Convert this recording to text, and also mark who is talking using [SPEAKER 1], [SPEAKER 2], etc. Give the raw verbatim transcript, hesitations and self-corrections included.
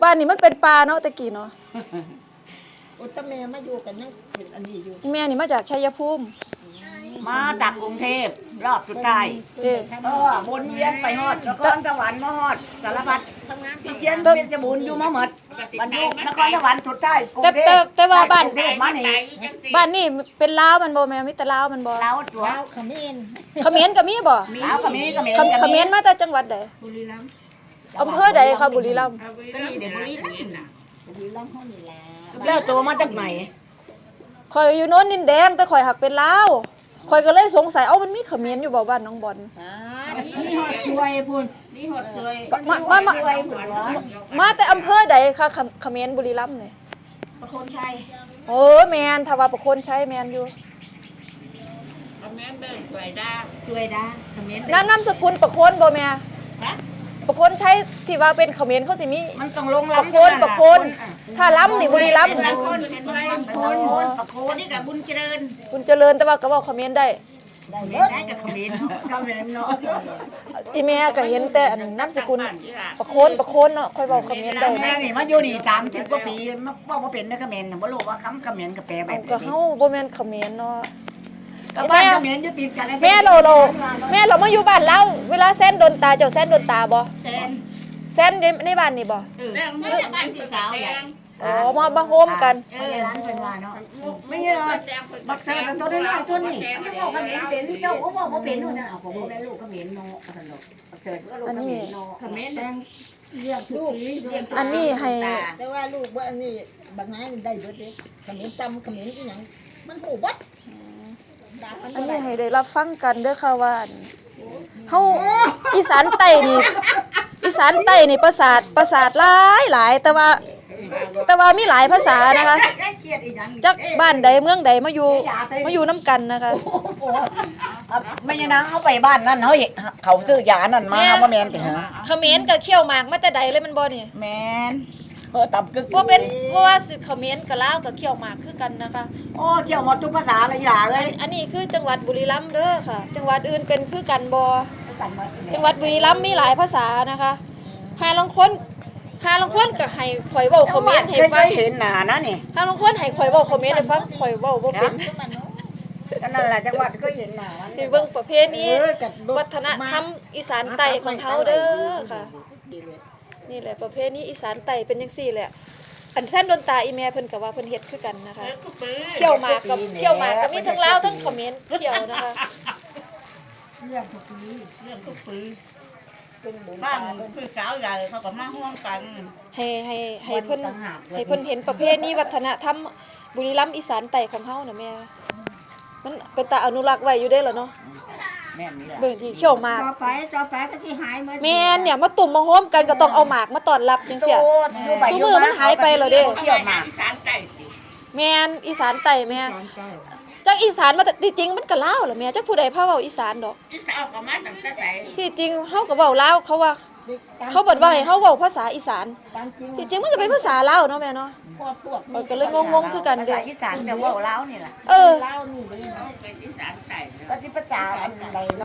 [SPEAKER 1] บ้านนี้มันเป็นป่าเนาะตะกี้เนาะ
[SPEAKER 2] อุตแม่มาอยู่กันยังเป็นอันนี้อยู่
[SPEAKER 1] แม่นี่มาจากชัยภูมิ
[SPEAKER 3] มาจากกรุงเทพรอบสุดท้ายเออวนเวียนไปฮอดนครสวรรค์มาฮอดสารพัดพี่เชียนเป็นสมุนอยู่มาหมดบรรลุนครสวรรค์สุดท้ายกรุงเทพ
[SPEAKER 1] แต่แต่ว่าบ้าน
[SPEAKER 3] มานี่
[SPEAKER 1] บ้านนี่เป็นลาวมันบ่แม่มีแต่ลาวมันบ่
[SPEAKER 3] ลาวตัว
[SPEAKER 2] ลาวเขมร
[SPEAKER 1] เขมรก็มีบ่
[SPEAKER 3] ลาวเขมรเขมร
[SPEAKER 1] เขมรมาแต่จังหวัดใด
[SPEAKER 2] บุรีรัมย์
[SPEAKER 1] อำเภอใดคะบุรีรัมย์
[SPEAKER 3] ก็นี่เดี๋ยวบุรีรัมย์น่ะ
[SPEAKER 2] บุรีรัมย์เฮานี่แหละ
[SPEAKER 3] แล้วตัวมาจากไหน
[SPEAKER 1] ข่อยอยู่โน้นดินแดงแต่ข่อยหักเป็นลาวข่อยก็เลยสงสัยเอ้ามันมีเขมรอยู่บ่บ้านน้องบอล
[SPEAKER 2] อ่านี่ฮอดสวยพุ่นนี่ฮอดสวย
[SPEAKER 1] มามามามาแต่อำเภอใดคะเขมรบุรีรัมย์นี่
[SPEAKER 2] ประโคนชัย
[SPEAKER 1] โอ้แม่นถ้าว่าประโคนชัยแม่นอยู่
[SPEAKER 2] เขมรเบิ่งสวยดาสวยดาเขมร
[SPEAKER 1] นามนามสกุลประโคนบ่แม่
[SPEAKER 2] ฮะ
[SPEAKER 1] ประโคนชัยที่ว่าเป็นเขมรเขาสิมี
[SPEAKER 3] มันต้องลงลำ
[SPEAKER 1] ประโคนประโคนถ้าล้ำนี่บุรีรัมย์
[SPEAKER 2] ประโคนเป็นประโคนประโคนนี่ก็บุญเจริญ
[SPEAKER 1] บุญเจริญแต่ว่าก็เว้าเขมรได้
[SPEAKER 2] ได้ได้กับเขมร
[SPEAKER 3] เขมรเนาะ
[SPEAKER 1] อีแม่ก็เห็นแต่อันนามสกุลประโคนประโคนเนาะค่อยเว้าเขมรได้
[SPEAKER 3] แม่นี่มาอยู่นี่สามสิบกว่าปีมาเว้าบ่เป็นนะเขมรน่ะบ่รู้ว่าคำเขมรกับแปลแบบ
[SPEAKER 1] ก็เฮาบ่แม่นเขมรเนาะ
[SPEAKER 3] กับบ้านเขมรอยู่ติดกัน
[SPEAKER 1] แม่เราเราแม่เรามาอยู่บ้านเราเวลาแซนโดนตาเจ้าแซนโดนตาบ่
[SPEAKER 2] แซน
[SPEAKER 1] แซนในบ้านนี่บ่
[SPEAKER 2] เออเมื่อบ้านพี่สาวใหญ่
[SPEAKER 1] อ๋อมามาโฮมกัน
[SPEAKER 3] เออร้านเป็นว่าเนาะไม่เยอะบักเซ่กันตัวน้อยๆตัวนี้มันบอกเขมรเป็นเจ้าก็บอกบ่เป็นนู่นน่ะเอาผมได้ลูกเขมรเนาะสนุกบักเซ่ก็ลูกเขมรเนาะ
[SPEAKER 2] เขมรแดงเรียกลูก
[SPEAKER 1] อันนี้ให้
[SPEAKER 2] แต่ว่าลูกว่าอันนี้บักนายได้เบิดเด้เขมรตำเขมรอีหยังมันหูบัด
[SPEAKER 1] อันนี้ให้ได้รับฟังกันเด้อค่ะว่าเฮาอีสานใต้นี่อีสานใต้นี่ประสาทประสาทหลายหลายแต่ว่าแต่ว่ามีหลายภาษานะคะจากบ้านใดเมืองใดมาอยู่มาอยู่น้ำกันนะคะ
[SPEAKER 3] ไม่ยังนะเขาไปบ้านนั่นเขาเขาซื้อยานั่นมาว่าแมนติฮะ
[SPEAKER 1] เขมรก็เขี้ยวหมากมาแต่ใดเลยมันบ่นี่
[SPEAKER 3] แมนเออตับกึก
[SPEAKER 1] ว่าเป็นเพราะว่าเขมรกับลาวกับเขี้ยวหมากคือกันนะคะ
[SPEAKER 3] โอ้เขี้ยวหมดทุกภาษาเลยอย่าเลย
[SPEAKER 1] อันนี้คือจังหวัดบุรีรัมย์เด้อค่ะจังหวัดอื่นเป็นคือกันบ่จังหวัดบุรีรัมย์มีหลายภาษานะคะหาลางคนหาลางคนก็ให้ข่อยเว้าเขมรให้ฟัง
[SPEAKER 3] เห็นหน้านะนี่
[SPEAKER 1] หาลางคนให้ข่อยเว้าเขมรให้ฟังข่อยเว้าบ่เป็น
[SPEAKER 3] ก็นั่นแหละจังหวัดก็เห็นหน้า
[SPEAKER 1] นี่เบิ่งประเพณีวัฒนธรรมอีสานใต้ของเฮาเด้อค่ะนี่แหละประเพณีอีสานใต้เป็นจังซี่แหละอันแท่นโดนตาอีแม่เพิ่นก็ว่าเพิ่นเฮ็ดคือกันนะคะเขี่ยวหมากกับเขี่ยวหมากก็มีทั้งลาวทั้งเขมรเขี่ยวนะคะ
[SPEAKER 2] เรื่องทุกปีเรื่องทุกปี
[SPEAKER 4] บ้านพี่สาวใหญ่เขาก็มาห่วงกัน
[SPEAKER 1] ให้ให้ให้เพิ่นให้เพิ่นเห็นประเพณีวัฒนธรรมบุรีรัมย์อีสานใต้ของเฮาน่ะแม่มันเป็นตาอนุรักษ์ไว้อยู่เด้อล่ะเนาะ
[SPEAKER 3] แม่นนี่แหละ
[SPEAKER 1] เบิ่งที่เขี่ยวหมาก
[SPEAKER 2] ต่อไปต่อไปก็สิหายหมด
[SPEAKER 1] แม่นเนี่ยมาตุ่มมาโฮมกันก็ต้องเอาหมากมาต้อนรับจังซี่ซุมื้อมันหายไปแล้วเด้
[SPEAKER 3] เขี่ยวหมาก
[SPEAKER 4] อีสานใต้
[SPEAKER 1] แม่นอีสานใต้แม่จักอีสานมาที่จริงมันก็ลาวล่ะแม่จักผู้ใดพาเว้าอีสานดอก
[SPEAKER 4] อีสานก็มาตั้งแต่ไหน
[SPEAKER 1] ที่จริงเฮาก็เว้าลาวเขาว่าเขาบอกว่าให้เฮาเว้าภาษาอีสานที่จริงมันก็เป็นภาษาลาวเนาะแม่เนาะเออก็เลยงงๆคือกันเด้อ
[SPEAKER 3] อีสานแต่เว้าลาวนี่ล่ะ
[SPEAKER 1] เออ
[SPEAKER 2] ลาวนี่เลย
[SPEAKER 4] เป็นอีสานใต้
[SPEAKER 3] ก็สิภาษาอะไร